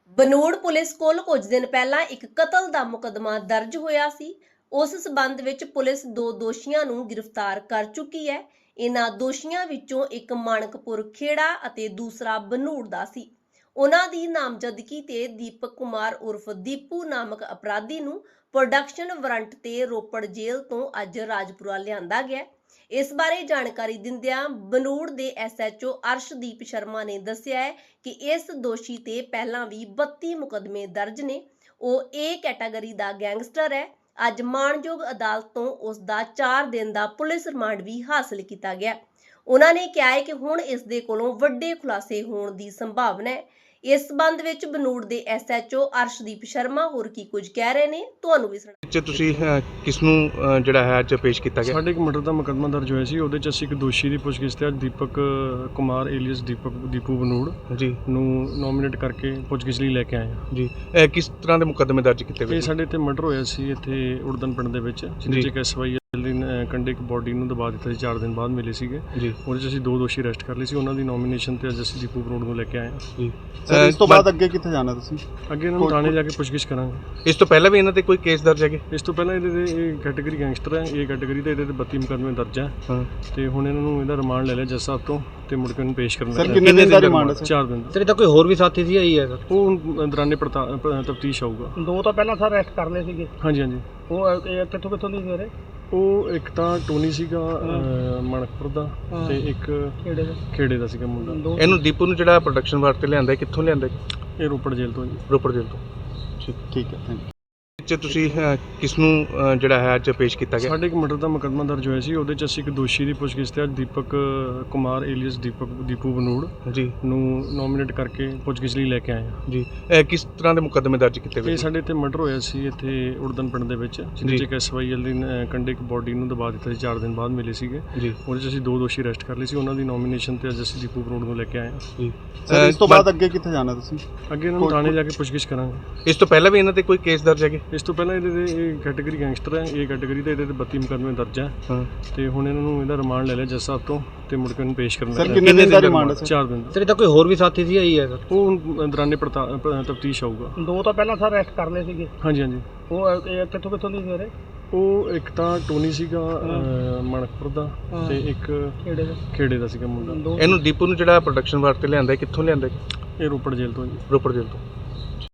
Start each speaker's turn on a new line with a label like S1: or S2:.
S1: Banur police ਕੋਲ ਕੁਝ ਦਿਨ ਪਹਿਲਾਂ ਇੱਕ ਕਤਲ ਦਾ ਮੁਕੱਦਮਾ ਦਰਜ ਹੋਇਆ ਸੀ। ਉਸ ਸਬੰਧ ਵਿੱਚ ਪੁਲਿਸ ਦੋ ਦੋਸ਼ੀਆਂ ਨੂੰ ਗ੍ਰਿਫਤਾਰ ਕਰ ਚੁੱਕੀ ਹੈ। ਇਹਨਾਂ ਦੋਸ਼ੀਆਂ ਵਿੱਚੋਂ ਇੱਕ ਮਾਣਕਪੁਰ ਖੇੜਾ ਅਤੇ ਦੂਸਰਾ ਬਨੂੜ ਦਾ ਸੀ। ਉਹਨਾਂ ਦੀ ਨਾਮਜ਼ਦਗੀ ਤੇ ਦੀਪਕ ਕੁਮਾਰ ਉਰਫ ਦੀਪੂ ਨਾਮਕ ਅਪਰਾਧੀ ਨੂੰ ਪ੍ਰੋਡਕਸ਼ਨ ਵਾਰੰਟ ਤੇ ਰੋਪੜ ਜੇਲ੍ਹ ਤੋਂ ਅੱਜ ਰਾਜਪੁਰਾ ਲਿਆਂਦਾ ਗਿਆ। ਇਸ ਬਾਰੇ ਜਾਣਕਾਰੀ ਦਿੰਦਿਆਂ ਬਨੂੜ ਦੇ ਐਸਐਚਓ ਅਰਸ਼ਦੀਪ ਸ਼ਰਮਾ ਨੇ ਦੱਸਿਆ ਹੈ ਕਿ ਇਸ ਦੋਸ਼ੀ ਤੇ ਪਹਿਲਾਂ ਵੀ 32 ਮੁਕੱਦਮੇ ਦਰਜ ਨੇ। ਉਹ ਏ ਕੈਟਾਗਰੀ ਦਾ ਗੈਂਗਸਟਰ ਹੈ। ਅੱਜ ਮਾਣਯੋਗ ਅਦਾਲਤ ਤੋਂ ਉਸ ਦਾ 4 ਦਿਨ ਦਾ ਪੁਲਿਸ ਰਿਮਾਂਡ ਵੀ ਹਾਸਲ ਕੀਤਾ ਗਿਆ। ਉਹਨਾਂ ਨੇ ਕਿਹਾ ਹੈ ਕਿ ਹੁਣ ਇਸ ਦੇ ਕੋਲੋਂ ਵੱਡੇ ਖੁਲਾਸੇ ਹੋਣ ਦੀ ਸੰਭਾਵਨਾ ਹੈ। ਇਸ ਸੰਬੰਧ ਵਿੱਚ ਬਨੂੜ ਦੇ ਐਸਐਚਓ ਅਰਸ਼ਦੀਪ ਸ਼ਰਮਾ ਹੋਰ ਕੀ ਕੁਝ ਕਹਿ ਰਹੇ ਨੇ, ਤੁਹਾਨੂੰ ਵੀ ਸੁਣਾ।
S2: ਤੁਸੀਂ ਕਿਸ ਨੂੰ ਜਿਹੜਾ ਹੈ ਅੱਜ ਪੇਸ਼ ਕੀਤਾ ਗਿਆ?
S3: ਸਾਡੇ ਇੱਕ ਮਰਡਰ ਦਾ ਮੁਕੱਦਮਾ ਦਰਜ ਹੋਇਆ ਸੀ। ਉਹਦੇ 'ਚ ਅਸੀਂ ਇੱਕ ਦੋਸ਼ੀ ਦੀ ਪੁੱਛਗਿੱਛ ਤੇ ਅੱਜ ਦੀਪਕ ਕੁਮਾਰ ਏਲੀਅਸ ਦੀਪੂ ਬਨੂੜ
S2: ਜੀ
S3: ਨੂੰ ਨੋਮੀਨੇਟ ਕਰਕੇ ਪੁੱਛਗਿੱਛ ਲਈ ਲੈ ਕੇ ਆਏ ਹਾਂ
S2: ਜੀ। ਕਿਸ ਤਰ੍ਹਾਂ ਦੇ ਮੁਕੱਦਮੇ ਦਰਜ ਕੀਤੇ ਗਏ?
S3: ਇਹ ਸਾਡੇ ਇੱਥੇ ਮਰਡਰ ਹੋਇਆ ਸੀ ਇੱਥੇ ਉੜਦਨ ਪਿੰਡ ਦੇ ਵਿੱਚ, ਜਿਹਦੇ 'ਚ ਇੱਕ SYL ਦੀ ਕੰਡੇ ਇੱਕ ਬੋਡੀ ਨੂੰ ਦਬਾ ਦਿੱਤਾ ਸੀ। 4 ਦਿਨ ਬਾਅਦ ਮਿਲੇ ਸੀਗੇ
S2: ਜੀ।
S3: ਉਹਦੇ 'ਚ ਅਸੀਂ 2 ਦੋਸ਼ੀ ਅਰੈਸਟ ਕਰ ਲਏ ਸੀ। ਉਹਨਾਂ ਦੀ ਨੋਮੀਨੇਸ਼ਨ ਤੇ ਅੱਜ ਅਸੀਂ ਦੀਪੂ ਬਨੂੜ ਨੂੰ ਲੈ ਕੇ ਆਏ ਹਾਂ
S2: ਜੀ।
S4: ਇਸ ਤੋਂ ਬਾਅਦ ਅੱਗੇ ਕਿੱਥੇ ਜਾਣਾ ਤੁਸੀਂ?
S3: ਅੱਗੇ ਇਹਨਾਂ ਨੂੰ ਥਾਣੇ ਜਾ ਕੇ ਪੁੱਛਗਿੱਛ ਕਰਾਂਗੇ।
S2: ਇਸ ਤੋਂ ਪਹਿਲਾਂ ਵੀ ਇਹਨਾਂ ਤੇ ਕੋਈ ਕੇਸ ਦਰਜ ਹੈਗੇ?
S3: ਇਸ ਤੋਂ ਪਹਿਲਾਂ ਇਹਦੇ ਤੇ ਇਹ ਕੈਟਾਗਰੀ ਗੈਂਗਸਟਰ ਹੈ। ਇਹ ਕੈਟਾਗਰੀ ਤੇ ਇਹਦੇ ਤੇ 32 ਮੁਕੱਦਮੇ ਦਰਜ ਹੈ
S2: ਹਾਂ।
S3: ਤੇ ਹੁਣ ਇਹਨਾਂ ਨੂੰ ਇਹਦਾ ਰਿਮਾਂਡ ਲੈ ਲਿਆ ਜੱਜ ਸਾਹਿਬ ਤੋਂ ਤੇ ਮੁੜ ਕੇ ਉਹਨੂੰ ਪੇਸ਼ ਕਰਨਾ
S4: ਸਰ ਕਿੰਨੇ ਦਿਨ ਦਾ ਰਿਮਾਂਡ ਹੈ?
S3: 4 ਦਿਨ ਦਾ।
S5: ਤੇਰੇ ਤਾਂ ਕੋਈ ਹੋਰ ਵੀ ਸਾਥੀ ਸੀ ਆਈ ਹੈ ਸਰ?
S3: ਉਹ ਦੌਰਾਨੇ ਤਫਤੀਸ਼ ਆਊਗਾ।
S5: 2 ਤਾਂ ਪਹਿਲਾਂ ਸਰ ਅਰੈਸਟ ਕਰ ਲਏ ਸੀਗੇ।
S3: ਹਾਂਜੀ ਹਾਂਜੀ।
S5: ਉਹ ਕਿੱਥੋਂ ਦੀ ਸਵੇਰੇ?
S3: ਉਹ ਇੱਕ ਤਾਂ ਟੋਨੀ ਸੀਗਾ ਮਣਕਪੁਰ ਦਾ ਤੇ ਇੱਕ ਖੇੜੇ ਦਾ ਸੀਗਾ ਮੁੰਡਾ।
S2: ਇਹਨੂੰ ਦੀਪੂ ਨੂੰ ਜਿਹੜਾ ਪ੍ਰੋਡਕਸ਼ਨ ਵਾਸਤੇ ਲਿਆਂਦਾ, ਕਿੱਥੋਂ ਲਿਆਂਦਾ?
S3: ਇਹ ਰੋਪੜ ਜੇਲ੍ਹ ਤੋਂ ਜੀ।
S2: ਰੋਪੜ ਜੇਲ੍ਹ ਤੋਂ।
S4: ਠੀਕ ਹੈ, ਥੈਂਕ ਯੂ।
S2: ਤੁਸੀਂ ਕਿਸ ਨੂੰ ਜਿਹੜਾ ਹੈ ਅੱਜ ਪੇਸ਼ ਕੀਤਾ ਗਿਆ?
S3: ਸਾਡੇ ਇੱਕ ਮਰਡਰ ਦਾ ਮੁਕੱਦਮਾ ਦਰਜ ਹੋਇਆ ਸੀ। ਉਹਦੇ 'ਚ ਅਸੀਂ ਇੱਕ ਦੋਸ਼ੀ ਦੀ ਪੁੱਛਗਿੱਛ ਤੇ ਅੱਜ ਦੀਪਕ ਕੁਮਾਰ ਏਲੀਅਸ ਦੀਪੂ ਬਨੂੜ
S2: ਜੀ
S3: ਨੂੰ ਨੋਮੀਨੇਟ ਕਰਕੇ ਪੁੱਛਗਿੱਛ ਲਈ ਲੈ ਕੇ ਆਏ ਹਾਂ
S2: ਜੀ। ਕਿਸ ਤਰ੍ਹਾਂ ਦੇ ਮੁਕੱਦਮੇ ਦਰਜ ਕੀਤੇ ਗਏ?
S3: ਇਹ ਸਾਡੇ ਇੱਥੇ ਮਰਡਰ ਹੋਇਆ ਸੀ ਇੱਥੇ ਉੜਦਨ ਪਿੰਡ ਦੇ ਵਿੱਚ, ਜਿਹਦੇ 'ਚ ਇੱਕ SYL ਦੀ ਕੰਡੇ ਇੱਕ ਬੋਡੀ ਨੂੰ ਦਬਾ ਦਿੱਤਾ ਸੀ। 4 ਦਿਨ ਬਾਅਦ ਮਿਲੇ ਸੀਗੇ
S2: ਜੀ।
S3: ਉਹਦੇ 'ਚ ਅਸੀਂ 2 ਦੋਸ਼ੀ ਅਰੈਸਟ ਕਰ ਲਏ ਸੀ। ਉਹਨਾਂ ਦੀ ਨੋਮੀਨੇਸ਼ਨ ਤੇ ਅੱਜ ਅਸੀਂ ਦੀਪੂ ਬਨੂੜ ਨੂੰ ਲੈ ਕੇ ਆਏ ਹਾਂ
S2: ਜੀ।
S4: ਸਰ ਇਸ ਤੋਂ ਬਾਅਦ ਅੱਗੇ ਕਿੱਥੇ ਜਾਣਾ ਤੁਸੀਂ?
S3: ਅੱਗੇ ਇਹਨਾਂ ਨੂੰ ਥਾਣੇ ਜਾ ਕੇ ਪੁੱਛਗਿੱਛ ਕਰਾਂਗੇ।
S2: ਇਸ ਤੋਂ ਪਹਿਲਾਂ ਵੀ ਇਹਨਾਂ ਤੇ ਕੋਈ ਕੇਸ ਦਰਜ ਹੈਗੇ?
S3: ਇਸ ਤੋਂ ਪਹਿਲਾਂ ਇਹਦੇ ਤੇ ਇਹ ਕੈਟਾਗਰੀ ਗੈਂਗਸਟਰ ਹੈ। ਇਹ ਕੈਟਾਗਰੀ ਤੇ ਇਹਦੇ ਤੇ 32 ਮੁਕੱਦਮੇ ਦਰਜ ਹੈ
S2: ਹਾਂ।
S3: ਤੇ ਹੁਣ ਇਹਨਾਂ ਨੂੰ ਇਹਦਾ ਰਿਮਾਂਡ ਲੈ ਲਿਆ ਜੱਜ ਸਾਹਿਬ ਤੋਂ ਤੇ ਮੁੜ ਕੇ ਉਹਨੂੰ ਪੇਸ਼ ਕਰਨਾ
S4: ਸਰ ਕਿੰਨੇ ਦਿਨ ਦਾ ਰਿਮਾਂਡ ਹੈ?
S3: 4 ਦਿਨ ਦਾ।
S5: ਤੇਰੇ ਤਾਂ ਕੋਈ ਹੋਰ ਵੀ ਸਾਥੀ ਸੀ ਆਈ ਹੈ ਸਰ?
S3: ਉਹ ਦੌਰਾਨੇ ਤਫਤੀਸ਼ ਆਊਗਾ।
S5: 2 ਤਾਂ ਪਹਿਲਾਂ ਸਰ ਅਰੈਸਟ ਕਰ ਲਏ ਸੀਗੇ।
S3: ਹਾਂਜੀ ਹਾਂਜੀ।
S5: ਉਹ ਕਿੱਥੋਂ ਦੀ ਸਵੇਰੇ?
S3: ਉਹ ਇੱਕ ਤਾਂ ਟੋਨੀ ਸੀਗਾ ਮਣਕਪੁਰ ਦਾ ਤੇ ਇੱਕ ਖੇੜੇ ਦਾ ਸੀਗਾ ਮੁੰਡਾ।
S2: ਇਹਨੂੰ ਦੀਪੂ ਨੂੰ ਜਿਹੜਾ ਪ੍ਰੋਡਕਸ਼ਨ ਵਾਸਤੇ ਲਿਆਂਦਾ, ਕਿੱਥੋਂ ਲਿਆਂਦਾ?
S3: ਇਹ ਰੋਪੜ ਜੇਲ੍ਹ ਤੋਂ ਜੀ।
S2: ਰੋਪੜ ਜੇਲ੍ਹ ਤੋਂ।